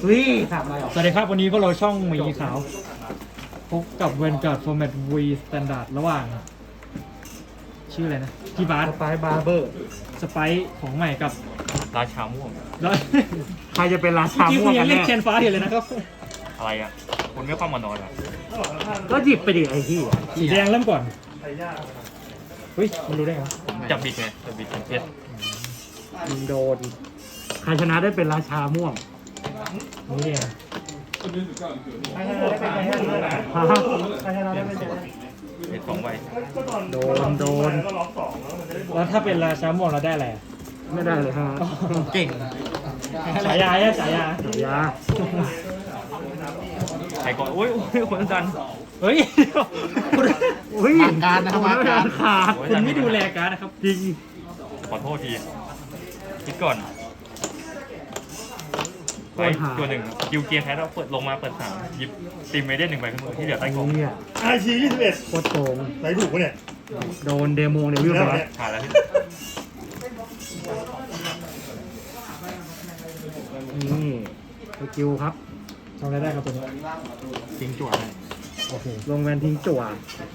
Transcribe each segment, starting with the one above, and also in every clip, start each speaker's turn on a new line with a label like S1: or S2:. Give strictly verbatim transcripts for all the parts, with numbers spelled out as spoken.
S1: ฮ้ยสามอะไรหรอ
S2: สวัสดีครับวันนี้พวกเราช่องหมีขาวพบกับเวนการ์ดฟอร์แมต V Standard ระหว่าง ชื่ออะไรนะพี่บาร์
S1: สไปบาร์เบอร์
S2: สไปของใหม่กับ
S3: ราชาม่วง
S2: แล้ว
S1: ใครจะเป็นราชา
S2: ที่
S1: ม่
S2: คุ
S1: ว
S2: ณ
S1: ง
S2: ยั
S1: กั
S2: ง
S1: น
S2: เล่น
S1: แน่
S2: แคนฟ้าอยู่เลยนะครับ
S3: อะไรอ่ะ คุณไม่ความมานอนเหรอ
S1: ก็หยิบไปดิไอ้ที่
S2: สีแดงเริ่มก่อนเฮ้ยมันรู้ได้ไงวะ
S3: จับบิดไงจับบิดเป็นเพชร
S1: ยิงโดนใครชนะได้เป็นราชาม่วง
S2: นี่เอง
S1: ฮะ
S3: เพชรสองใบ
S1: โดนโดน
S2: แล้วถ้าเป็นราชาม่วงเราได้อะไรอะ
S1: ไม่ได้เลยฮะ
S2: เก่งฉายาเนี่ยฉายา
S1: ยา
S3: ใครก่อนโอ้ยโอ้ยคนดัน
S2: เฮ้ย
S1: อุ้ยการนะมาการขาด
S2: คุณไม่ดูแลการดนะครับ
S1: จริง
S3: ขอโทษทีคิดก่อนไลท์ตัวหนึ่งคิวเกียร์แคสเราเปิดลงมาเปิดสามหยิบตีมเมเดนหนึ่งใบขึ้นมือที่เหลือใต้กล่อง
S1: เนี่ย
S4: อาชียี่สิบเอ็ด
S1: โคตรโกง
S4: ไหนถูกปะเนี่ย
S1: โดนเดโมเดวิล
S4: แล้ว
S1: ไป
S4: เนี่ย
S3: ผ่านแล้วที่
S1: นี่สกิลครับ
S2: ทำอะไรได้ครับตัวนี้
S1: ทิ้งจั่ว
S2: โอเค
S1: ลงแวนทิ้งจั่ว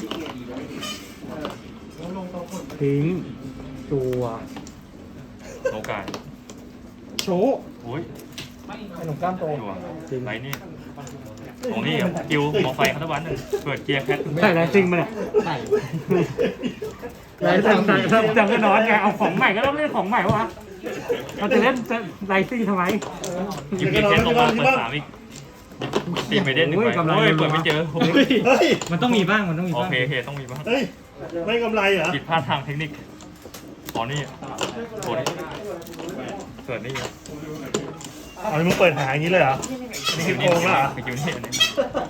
S1: ทิ้งจั่ว
S3: โอกาส
S2: โชว์
S3: โอ้ย
S2: ขนมกล้ามโต
S3: ตัวไลท์นี่ตรงนี้อ่ะคิวมอไฟคัตวันหนึ่งเปิดเกียร์แคส
S1: ใช่ไรซิงมาเนี่ยใช่ไรซิงจำจำก็น้อยไงเอาของใหม่ก็ต้องเล่นของใหม่วะเราจะเล่นไรซิงทำไม
S3: หยิบเกียร์แคสลงมาเปิดสามอีกตีมเมเดนหนึ่งใบ
S1: โอ้ยกำไร
S3: โอ้ยเปิดไม่เจอ
S4: เฮ้ย
S2: มันต้องมีบ้างมันต้องมี
S3: โอ
S2: บ้าง
S3: เคโอเคต้องมีบ้าง
S4: เฮ้ย ไม่กำไรเหรอ
S3: ผิดพลาดทางเทคนิคอ๋อนี่โอ้ยเกิดนี่
S4: เอามึงเปิดหาอย่างนี้เลยเหรอ
S3: นี่คือ
S4: โกงแล้วเหรอ
S3: ไปคิวนี่อันนี้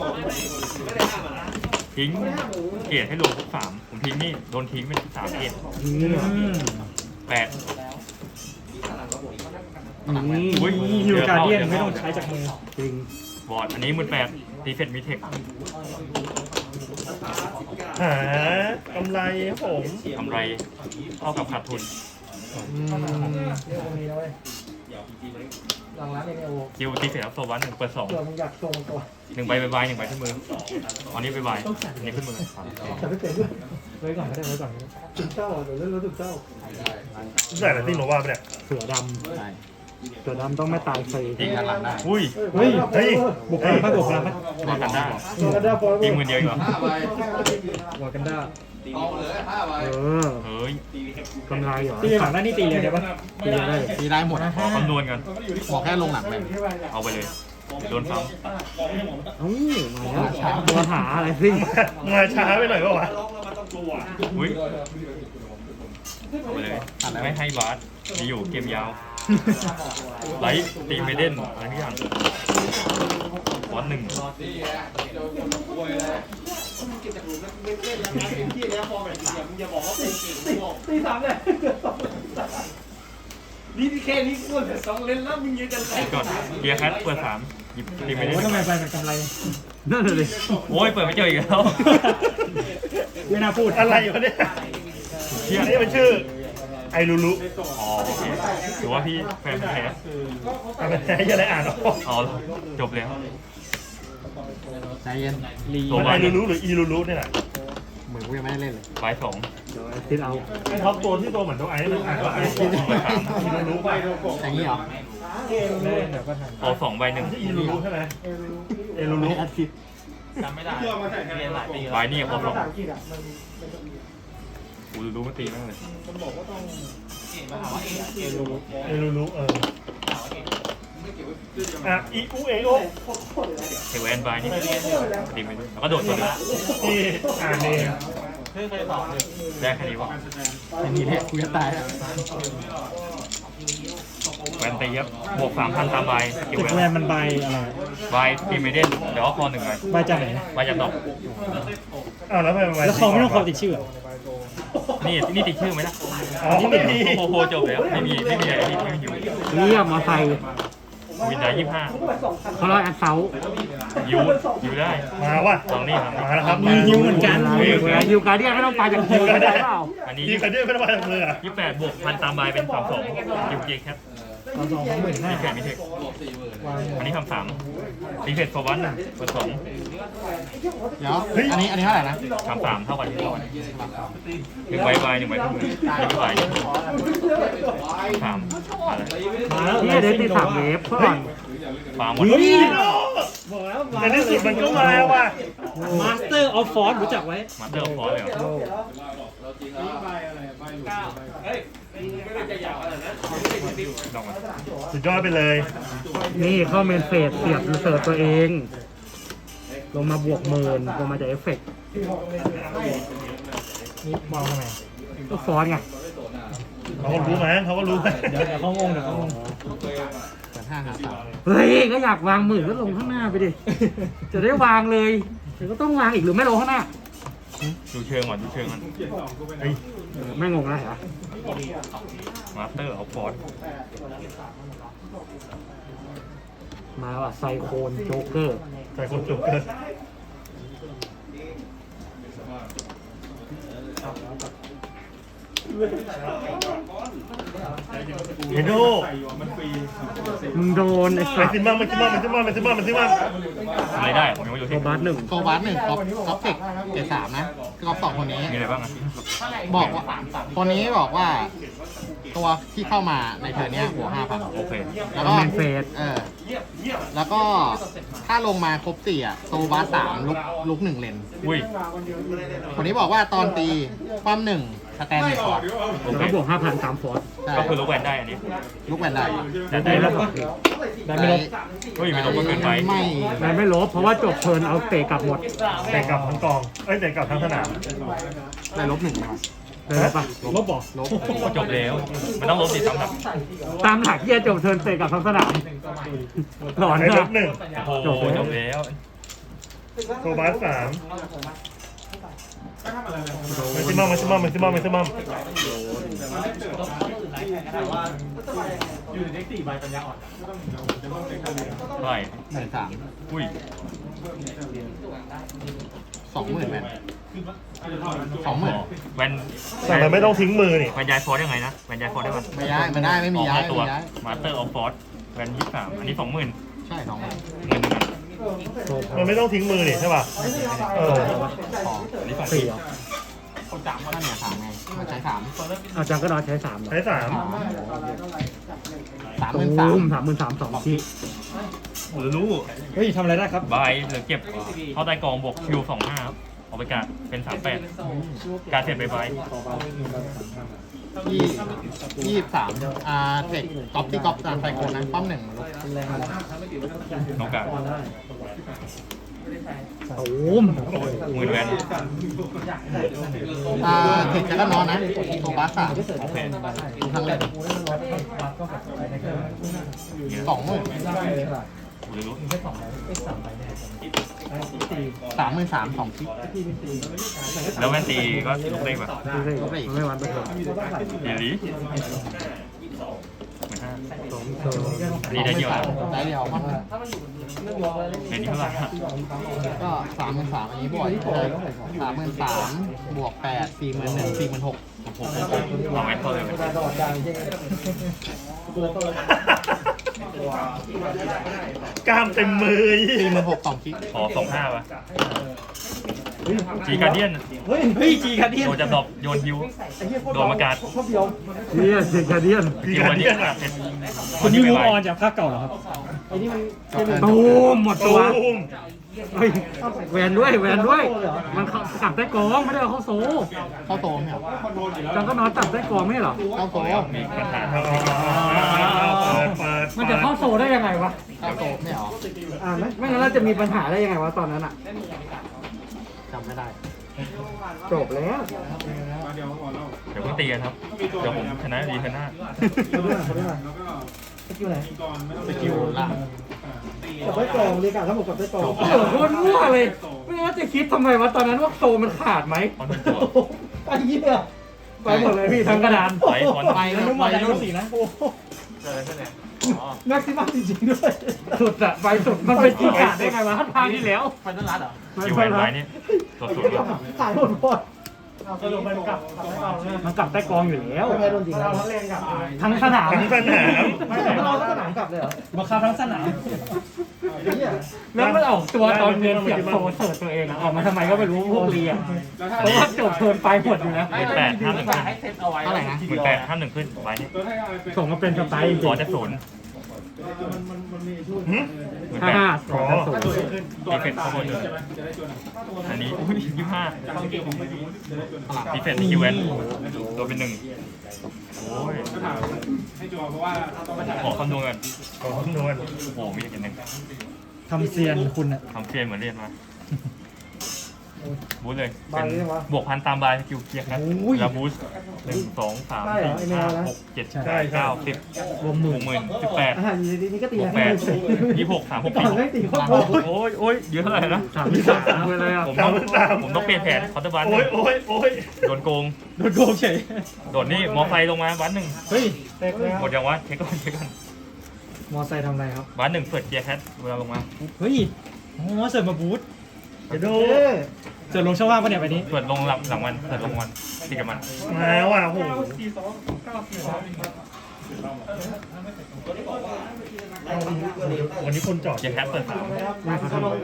S3: ทิ้งเกียรให้ลงทุกสามผมทิ้งนี่โดนทิ้งเป็นสามเกียร
S1: นี่
S2: อืม
S3: แปด
S1: นี่
S3: อุ้ย
S2: ฮิวการเดียนไม่ต้องใช้จากมือ
S1: จริง
S3: บอร์ดอันนี้มือแปดตีเฟตมีเทค
S4: หากำไรครับผม
S3: กำไรเท่ากับขาดทุน คิวตีเฟตอัพโซวันหนึ่งเปิดสองหนึ่งใบใบใบหนึ่งใบขึ้นมืออันนี้ใบใบอันนี้ขึ้นมือ
S2: ไว้ก่อนก็ได้ไว้ก่อนก็ได้
S4: ใส่อะไรที่หนูว่าไปเนี่ย
S1: เสือดำเสือดำต้องไม่ตายฟรี
S3: ทิ้งกันหลังได้อุ้ย
S2: เฮ้ย
S4: เฮ้ย
S2: บุกพลังไหมบุกพลังไหม
S3: บอลกันได้ทิ้งมือเดียวอีกเหรอ
S2: วอกันด้า
S1: เออ
S3: เฮ้ย
S1: กำไรเหรอ
S2: ตีฝั่งด้านนี้ตีเลยได้ปะ
S1: ตีได้
S5: ตีได้หมด
S3: ขอคำนวณกัน
S5: บอกแค่ลงหลังเลย
S3: เอาไปเลยโดนซ้
S1: เอ้ามาแล้วตัวหาอะไรซิ่ง
S4: มาช้าไปหน่อยก็วะ
S3: ำอุ้ยเอาไปเลยไม่ให้บาสมีอยู่เกมยาวไลท์ตีเมเดนอะไรทุกอย่างฟอนต์หนึ่ง
S2: ตีสามเลยนี่แค่นี้กูเหลือสองเล่นแล้วมึงยืนกัน
S3: คิดก่อนเกียร์แคทเปิดสามหยิบตีเมเด
S2: โอ้
S3: น
S2: ทำไมไปเป็นกำไร
S1: นั่นเลย
S3: โอ้ยเปิดไม่เจออีกแล้ว
S2: ไม่น่าพูด
S4: อะไรวะเนี่ย
S3: เชี่ย
S4: อันนี้มันชื่อ ไอรูรุ
S3: อ๋อโอเคถือว่าพี่แฟนแท้
S4: อะไรจะได้อ่านออก
S3: อ๋อจบแล้ว
S5: ใจเย็น
S2: ลี
S3: ตัว
S4: มันไอรูรุหรืออีรูรุเนี่ยแหละ
S5: เหมือนกูยังไม่ได้เล่นเลย
S3: ใบสอง
S1: ติดเอา
S4: ไอท็อปตัวที่ตัวเหมือนตัวไอมันอ่านว่าไออีรูรุไป
S5: อย่างนี้เหรอ
S2: เล่นเดี๋ยวก็ทัน
S3: เอาสองใบหนึ่ง
S4: อีรูรุใช่ไหมเอรูรุ
S5: ไม่อาทิตย์
S3: ใบนี่พอสองกูรู้มันตีมากเลย
S4: เอรูรุเอออ่ะอีอูเอโอ
S3: เทวแอนใบนี่ตีไม่ได้แล้วก็โดดตัวนึง
S4: นี่อ่านเอง
S3: ได้แค่นี้วะ
S5: อย่างนี้แหละกูจะตายแล้ว
S3: แวนตีครับบวกสามพันตามใบสกิล
S2: ติด
S3: แว
S2: แวน นมันใบอะไร
S3: ใบตีไม่ได้เดี๋ยวเอาคอหนึ่งใบ
S2: ใบจากไหน
S3: ใบจากดอก
S4: อ้าวแล้วทำไมมัน
S2: แล้วเขาไม่ต้องคอติดชื่อ
S3: นี่นี่ติดชื่อไหมล่ะ
S4: อ๋อไม่มี
S3: โอ้โหจบแล้วไม่มีไม่มีอะไรไม่มีอยู่
S1: เรียกมาใส่
S3: วินได้ยี่สิบห้า
S1: เขาเรียกแอดเซา
S3: ยูยูได้
S4: มาว่ะ
S3: ลองนี่ครับ
S4: มาแล้วครับ
S2: มีฮิวเหมือนกัน
S1: เวลาฮิวการเดียนไม่ต้องไปจากฮิวได้เปล่า
S3: อันนี้
S4: ดีกันด้วยไม่ต้องมาจากมืออ่ะ
S3: ยี่สิบแปดบวกพันตามใบเป็นสามสองยูเจแคป
S2: สองสองสองหมื่นห้า
S3: มีแปดมีเทคอันนี้คำสามรีเฟรชโซบัสหนึ่งเปิดสอง
S5: เดี๋ยวอันนี้อันนี้เท่าไหร่นะ
S3: คำสามเท่ากันที่เท่ากันหนึ่งใบใบหนึ่งใบขึ้นมือหนึ่งใบสามอะไร
S2: มาแล้ว
S1: นี่เด็กที่สามเวฟก่อน
S3: ฟาร์มหมด
S2: บอกแล้ว
S4: ในที่สุดมันก็มาว่ะ
S2: มาสเตอร์ออฟฟอร์รู้จักไว้
S3: มาสเตอร์ฟอร์เลยเหรอลองมา
S4: สุดยอดไปเลย
S1: นี่เข้าเมนเฟสเสียบรีเสิร์ชตัวเอง ลงมาบวกหมื่นลงมาจากเอฟเฟกต์
S2: นี่มองทำไม
S1: ก็ฟอนต์ไง
S4: เขาก็รู้มั้งเขาก็รู้มั้ง
S2: เดี๋ยวเดี๋ยวเขางงเดี๋ยวเขางง
S5: เปิดห้าหาสาม
S1: เฮ้ยก็อยากวางหมื่นก็ลงข้างหน้าไปดิ จะได้วางเลยเดี๋ยวก็ต้องวางอีกหรือไม่ลงข้างหน้า
S3: ดูเชิงก่อนดูเชิงก่อน
S4: เฮ้ย
S1: ไม่งงนะเหรอ
S3: มาสเตอร์เอาฟอร์
S1: มาว่ะไซโคนโจ๊กเกอร์
S4: ใส่คนจุกเกินเฮโด
S1: มึงโดนไอ้
S4: มั
S1: สั
S4: น
S1: ต
S4: ซิ
S1: ว์
S4: มัมมันซิมัมมันซิมัมมันซิมัมมันซิมัม
S3: ทำอะไรได้ผมยังไม่รู้
S1: โซ
S3: เช็ค
S1: บัสหนึ่ง
S5: โซบัสหนึ่งก๊อปก๊อปเทคเกรดสามนะก๊อปสองคนนี้
S3: มีอะไรบ้างอ่ะ
S5: บอกว่าคนนี้บอกว่า ตัวที่เข้ามาในเทอร์เนี้ยหัวห้าพัน
S3: โอเค
S5: แล้วก็
S1: เมนเฟส
S5: เออแล้วก็ถ้าลงมาครบสี่อ่ะโซบัสสามลุกลุกหนึ่งเลน
S3: อุ้ย
S5: คนนี้บอกว่าตอนตีความหนึ่งสแตนหนึ่งก่อน
S3: โอ
S1: แล้ว
S3: เค
S1: ก็บวกห้าพันสามฟอร์ส
S5: ใช่
S3: ก็คือลูกแวนได้อันนี้
S5: ลุกแวนได้
S3: แต่ได้แล้ว
S2: ได้ไม่ลบ
S3: เฮ้ยไม่ลงก็เกินไป
S5: ไม่
S1: แต่ไม่ลบเพราะว่าจบเทิร์นเอาเตะกลับหมด
S4: แต่กลับทั้งกอง เอ้ยแต่กลับทั้งสนาม
S5: ได้ลบหนึ่งนะครับ
S1: เลยลบปะ
S2: ลบบอก
S5: ลบ
S3: ก็จบแล้วมันต้องลบสิซ้ำครับ
S1: ตามหลักที่จะจบเทิร์นเตะกลับทั้งสนามหลอน
S4: ไอ้ล
S1: นะ
S4: บหนึ่ง
S3: โอ้โหจบแล้ว
S4: โซบัสสามมันซิมัมมันซิมัมมันซิมัมมันซิมัม
S3: เท่าไหร่
S5: หมื่นสาม
S3: อุ้ย
S5: สองหมื่นแวนสองหมื่น
S3: แวน
S4: แต่มันไม่ต้องทิ้งมือนี่
S3: แวนย้ายฟอร์ได้ไงนะแวนย้ายฟอร์ได้ป่ะ
S5: ไม่ได้ไม่ได้ไม่มีย้าย
S3: ตัว
S5: ไม่มีย้าย
S3: มาสเตอร์ออฟฟอร์แวนยี่สิบสามอันนี้สองหมื่น
S5: ใช่สองหมื่น
S3: เงินหนึ่ง
S1: โซพั
S4: มันไม่ต้องทิ้งมือนี่ใช่ป่ะ เออ
S5: สอง
S3: อันนี้สอง
S1: สี่
S3: สี่
S1: เหรอ
S5: นั่นเนี่ยสามไงมันใช้สาม
S1: อาจารย์ก็นอนใช้สามเหรอ
S4: ใช้สาม
S5: สามห
S1: ตู
S5: มื่นสาม
S1: มสามหมื่นสามสองที
S3: หรือรู้
S2: เฮ้ยทำอะไรได้ครับ
S3: บายหรือเก็บเข้าใต้กองบวกคิวสองห้าครับเอาไปการเป็นสามแปดการเสร็จไปบาย
S5: ยี่ยี่สิบสามอ่าเทคก๊อปที่ก๊อปตามไซโคนนะป้อมหนึ่งลุก
S3: น้องการ
S1: ตูม
S3: หมื่นแวน
S5: อ่าเทคจะก็นอนนะโซบัสสาม
S3: โอเค
S5: ดูทั้งเล่นสองหมื่น
S3: หรือรู้
S5: สามหมื่นสามสองคิด
S3: แล้วแวนตีก็ลุกได้ป่ะ
S1: ไม่ใช่ไม่วันไปเถอะ
S3: เดี๋ยวนี้หมื่นห้า
S1: สองเทิร์น
S3: อันนี้ได้เดียวนะ
S5: ได้เดียวป้อมหนึ่ง
S3: ในนี้เท่าไหร่
S5: ก็สามหมื่นสามอันนี้บวกเลยสามหมื่นสามบวกแปดสี่หมื่นหนึ่งสี่หมื่นหก
S3: โอ้โหเอาแวนเท่าเลย
S4: กล้ามเต็มมือ
S5: สี่หมื่นหกสองคิด
S3: ขอสองห้าป่ะจีการเดียน
S2: เฮ้ยเฮ้ยจีคันเดียน
S3: โดนจะตบโยนฮิวโดนมากาด
S1: เนี่ยเซนคาเดียน
S4: พี่การเดียนอ่ะ
S2: คุณนิวมูออนจากภาคเก่าเหรอครับ
S1: ตูมหมดตัว
S4: ตูม
S1: เฮ้ยแหวนด้วยแหวนด้วย มันเข้ากลับใต้กองไม่ได้เอาเข้าโซ่
S5: เข้าโตไหมครับ
S1: จังก็นอนตับใต้กองไม่ใช่เหรอ
S5: เข้าโต
S3: มีปัญหา
S4: เอาเปิดเปิด
S1: มันจะเข้าโซ่ได้ยังไงวะ
S5: เข้าโตไม่หรอ
S1: อ่าไม่ไม่งั้นเราจะมีปัญหาได้ยังไงวะตอนนั้นอ่ะ
S5: จำไม่ได้
S1: จบแล้ว
S3: เดี๋ยวเพิ่งตีกันครับ เดี๋ยวผมชนะดีชนะ
S5: สกิลล่าง
S2: กับได้กองเรียกกันทั้งหมดกับได้กอง
S1: โอ้โหโคตรมั่วเลย ไม่งั้นจะคิดทำไมวะตอนนั้นว่าโซ่มันขาดไหม
S3: คอนเป็นตัว
S2: ไอ้เหี้ย
S1: ไปหมดเลยพี่ทั้งกระดาน
S3: ไปคอน
S5: ไป
S2: แล้
S5: แล้ว ว
S2: นุ่ม
S5: ไป
S2: อะไร
S5: รุ่
S2: รุ่
S5: น
S2: นสีนะโอ้
S1: แม็กซิมัมจริงๆด้วย สุดอะไปสุดมันเป็นที่ขาดได้ไงวะทางที่แล้ว
S5: ไฟนอลลัดเหรอ
S3: คิวแวนไว้นี่ตัวสุดเลย
S2: ขายหมดหมด
S4: สรุปมันกลับกลับไม่เอาเนี่ย
S1: มันกลับใต้กองอยู่แล้ว
S5: ไม่โดนจริง
S4: เราทั้งเลนกลับ
S1: ทั้งสนาม
S4: ทั้งสนาม
S5: ไม่แต่เราก็สนามกลับเลยเหรอ
S2: บังคับทั้งสนาม
S1: แล้วมันออกตัวตอนเรียนเสียงโซเสิร์ตตัวเองอะออกมาทำไมก็ไม่รู้พวกเรียนเพราะว่าจบเทิร์นไปหมดอยู่แล้ว
S3: หมื่นแปดห้าหนึ่งขึ้น
S5: เท่าไหร่นะ
S3: หมื่นแปดห้าหนึ่งขึ้นไว้นี่
S1: ส่งมาเป็นสไตล์จริ
S3: ของ จะศูนย์
S4: หืม
S3: หมื่น
S1: ห้า
S3: แปด
S1: ห้าส
S4: อ๋
S1: อ
S4: อง
S1: ศูนย์
S3: ดีเฟนต์ข้างบนอันนี้ยี่ห้าดีเฟนต์คิวเอนตัวเป็นหนึ่งโอ้ยขอคำนวณกัน
S4: ขอคำนวณ
S3: โอ้โหมีอย่างหนึ่ง
S2: ทำเซียนคุณอะ
S3: ทำเฟียนเหมือนเรียนมาบูสเลยเป็นบวกพันตามบายสกิลเกียร์ครับแล้วบูสหนึ่งสองสามสี่ห้าหกเจ็ดแปดเก้าสิบรวมหมื่นหมื่นสิบแปด
S5: อ่าอยู่ดีๆนี่ก็ตี
S3: บวกแปดยี่หกสามหก
S5: ก่
S3: สี่
S5: อนไม่ตีโคตรโหด
S3: โอ้ยโอ้ยเยอะเท่าไหร่นะ
S1: สามที่สามไปเลยอ่ะ
S3: ผมต้องผมต้องเปลี่ยนแผนคอร์เตอร์บัน
S4: โอ้ยโอ้ยโอ้ย
S3: โดนโกง
S2: โดนโกงเฉย
S3: โดดนี่มอไซค์ลงมาบันหนึ่ง
S2: เฮ้ย
S4: เต็กแล้ว
S3: หมดยังวะเช็คก่อนเช็คก่อน
S2: มอไซค์ทำอะไรครับ
S3: บันหนึ่งเปิดเกียร์แคทเวลาลงมา
S2: เฮ้ยโอ้เสิร์ฟมาบูท
S4: จะดู
S2: เสิร์ฟลงช่องว่างปะเนี่ยไปนี้
S3: เปิดลงหลังหลังวันเปิดลงวันตีกับมัน
S4: มาว่ะโอ้โหวันนี้คนจอด
S3: เกียร์แคทเปิดสาม
S1: ไม่เขาทำ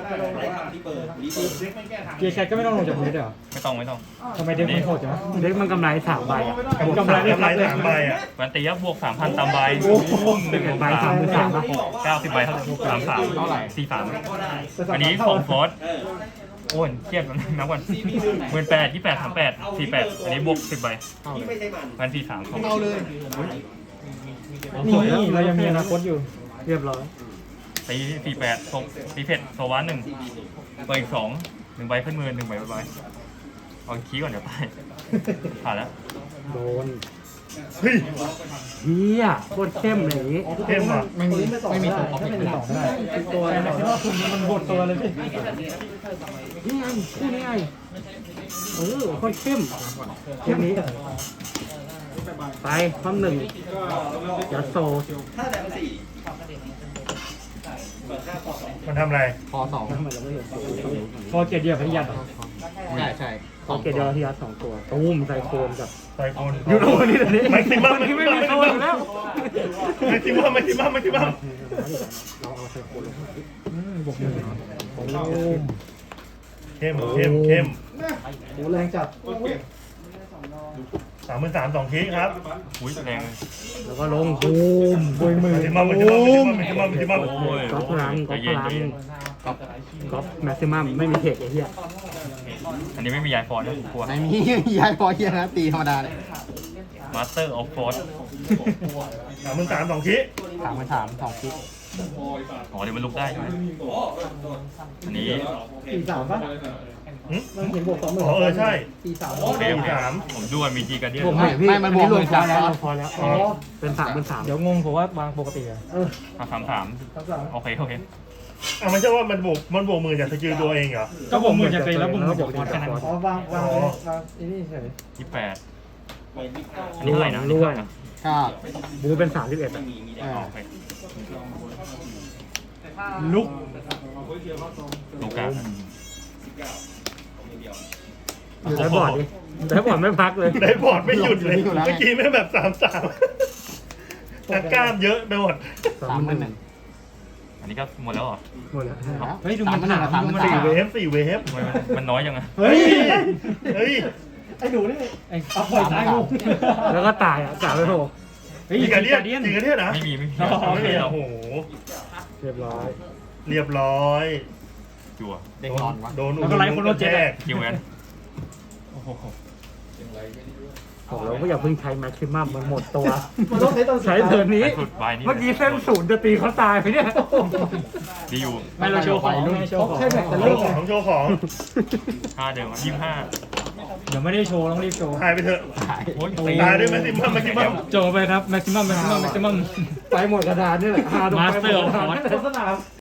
S2: เกียร์แคทก็ไม่ต้องลงจากบูทเลยเหรอ
S3: ไม่ต้องไม่ต้อง
S2: ทำไมเด็กมันโหดจังวะ
S1: เด็กมันกำไรสามใบอ่ะ
S4: บวกสามกำไรสามใบอ่ะ
S3: วันตียับบวกสามพันตามใบหนึ่ง
S1: ใบสามหมื่นสามป่ะ
S3: เก้าสิบใบเท่าไหร่สามสามเท่าไหร่สี่สามอันนี้ของฟอสโอ้ยเครียดแล้วนับวันหมื่นแปดยี่แปดสามแปดสี่แปดอันนี้บวกสิบใบวันสี่สามของ
S5: เอาเลย
S2: นี่เรายังมีอนาคตอยู่
S1: เรียบร้อย
S3: ตีสี่แปดตกตีเพชรโซวานหนึ่งเปิดอีกสองหนึ่งใบขึ้นมือหนึ่งใบใบเอาคีย์ก่อนเดี๋ยวตายผ่านแล้ว
S1: โดน
S4: เฮ้ย
S1: เฮียโคตรเข้มเลยอย่างนี้
S4: เข้มว่ะ
S5: ไม่มีไม่มีตัวออฟเฟกต์
S2: ไม่ต่อไม่ได้ตัวอะไรที่ว่าคุณมันบดตัวเลยพี่
S1: นี่ไงคู่นี้ไงเออโคตรเข้มเข้มนี้ไปความหนึ่งยัดโซ
S4: มันทำอะไร
S5: พอสอง
S2: พอเกียร์เดียวพยัดเหรอ
S5: ใช่ใช่
S1: เขาเกตเดียวที่ยัดสองตัวตูมไซโคนกับ
S4: ไซโคน
S1: ยูโรนี่เดี๋ยวนี้
S4: แม็กซิมัม
S1: ที่ไม่มีโซนอยู่แล้ว
S4: แม็กซิมัมแม็กซิมัมแม็กซิมัม
S1: เราเอาไซโคนลงมา
S2: อืมบวกหนึ่งเหรอ
S1: โอ้
S4: เข้มเข้มเข้ม
S5: โหแรงจัด
S4: สามหมื่นสามสองทีครับ
S3: อุ้ยแรงเลย
S1: แล้วก็ลงบูมบุยมือ
S4: แม็กซิมัมแม็กซิมัมแม็กซิมัมแม็กซิมัม
S3: โอ้ย
S1: ก๊อปพลัง
S3: ใจ
S1: ก๊อปพ
S3: เย็น
S1: ลั
S3: ใจ
S1: ง
S3: เย็น
S1: ก๊อปก๊อปแม็กซิมัมไม่มีเทคไอ้เหี้ย
S3: อันนี้ไม่มียายฟอนนะกลัว
S5: ไม่มีย้ายพอเฮียนะตีธรรมดาเลย
S3: มาสเตอร์ออฟฟอร์
S4: สามหมื่นสามสองที
S5: สามพันสามสองคิด
S3: อ๋อเดี๋ยวมันลุกได้ใช่ไหมอันนี้
S5: ตีสามป่ะ
S4: หึ
S5: มันเห็นบวกสองหมื่น
S4: อ๋อเออใช่
S5: ตีสาม
S3: โอเคโอเค
S4: สาม
S3: ผมดูว่ามีจีกันเดีย
S1: บวกใหม่พี่
S5: ไม่มันบวก
S1: รวมพอแล้ว
S5: หมื่นสาม
S1: รวมพอแล้ว
S5: อ๋อ
S1: เป็นสามเป็นสาม
S2: เดี๋ยวงงผมว่าวางปกติอะ
S5: เออ
S3: สามสามสาม
S5: สามสาม
S3: โอเคโอเค
S4: อ่ะไม่ใช่ว่ามันบวกมันบวกมือจากสกิลตัวเองเหรอ
S2: ก็บวกหมื่นจากตัวเองแล้วบวกหมื่นจากมอสแค่นั้น
S5: อ๋อวางวางวางไอ้นี่เฉย
S3: ยี่แปดอันนี้เท่าไหร่นะอันนี้เท่าไหร่นะ
S5: ก็
S1: บูเป็นสามสิบเอ็ดอ่ะ
S5: เออ
S3: โอเค
S2: ลุก
S3: ลูกา
S1: อยู่ได้บอร์ดดิได้บอร์ดไม่พักเลย
S4: ได้บอร์ดไม่หยุดเลย เมื่อกี้แม่งแบบสามสามแต่กล้ามเยอะไปหมด
S5: สามหมื่นหนึ่ง
S3: อันนี้ก็หมดแล้วเหรอ
S1: หมดแล้ว
S2: เฮ้ยดูมัน
S5: สาม
S2: ถาม
S5: หมื่น
S2: ดูมัน
S5: สาม
S2: ถาม
S4: สี่เวฟสี่เวฟ
S3: ทำไมมันมันน้อยจังอะ
S2: เฮ้ย
S4: เฮ้ย
S5: ไอ้หนูนี่
S2: ไอ้เอาปล่อยตายงู
S1: แล้วก็ตายอ่ะกาไปโผล่
S2: เฮ้ย
S4: จริงกัน
S2: เดี
S4: เนี่ย
S2: ยน
S4: จริงกันเนี่ยนะ
S3: ไม่มีไม่มี
S4: ไม่มี
S3: หร
S4: โอ้โห
S1: เรียบร้อย
S4: เรียบร้อย
S3: จั่ว
S5: เด็กนอนวะ
S4: โดน
S2: แล้วก็ไล่คนโดนเจ็ด
S4: แท
S2: อะ
S4: ก
S3: คิวแอนโอ้โห
S1: บอกแล้วว่าอย่าเพิ่งใช้แม็กซิมัมมันหมดตัว
S5: มันต้องใช้ตอน
S1: ใช้เทิร์นนี้
S3: ไปสุดใบนี้
S1: เมื่อกี้เส้นศูนย์จะตีเขาตายไปเนี่ย
S3: ดีอยู่
S2: ไม่เราโชว์ของไม่โชว์ของ
S5: ใช่แม็กแต่
S4: โช
S5: เริ่ม
S4: ว์ของโชว์ของ
S3: ห้าเดิมยี่สิบห้า
S2: เดี๋ยวไม่ได้โชว์ต้องรีบโชว์
S4: หายไปเถอะ
S3: โอ้ย
S4: ตายด้วยแม็กซิมัมแม็กซิมัม
S2: โจไปครับ แม็กซิมัม แม็กซิมัม แม็กซิมัม
S1: ไปหมดกระดานนี่แหละห้าดอกไปหมด
S2: Master of
S1: กระดาน
S2: Force
S1: โฆษณา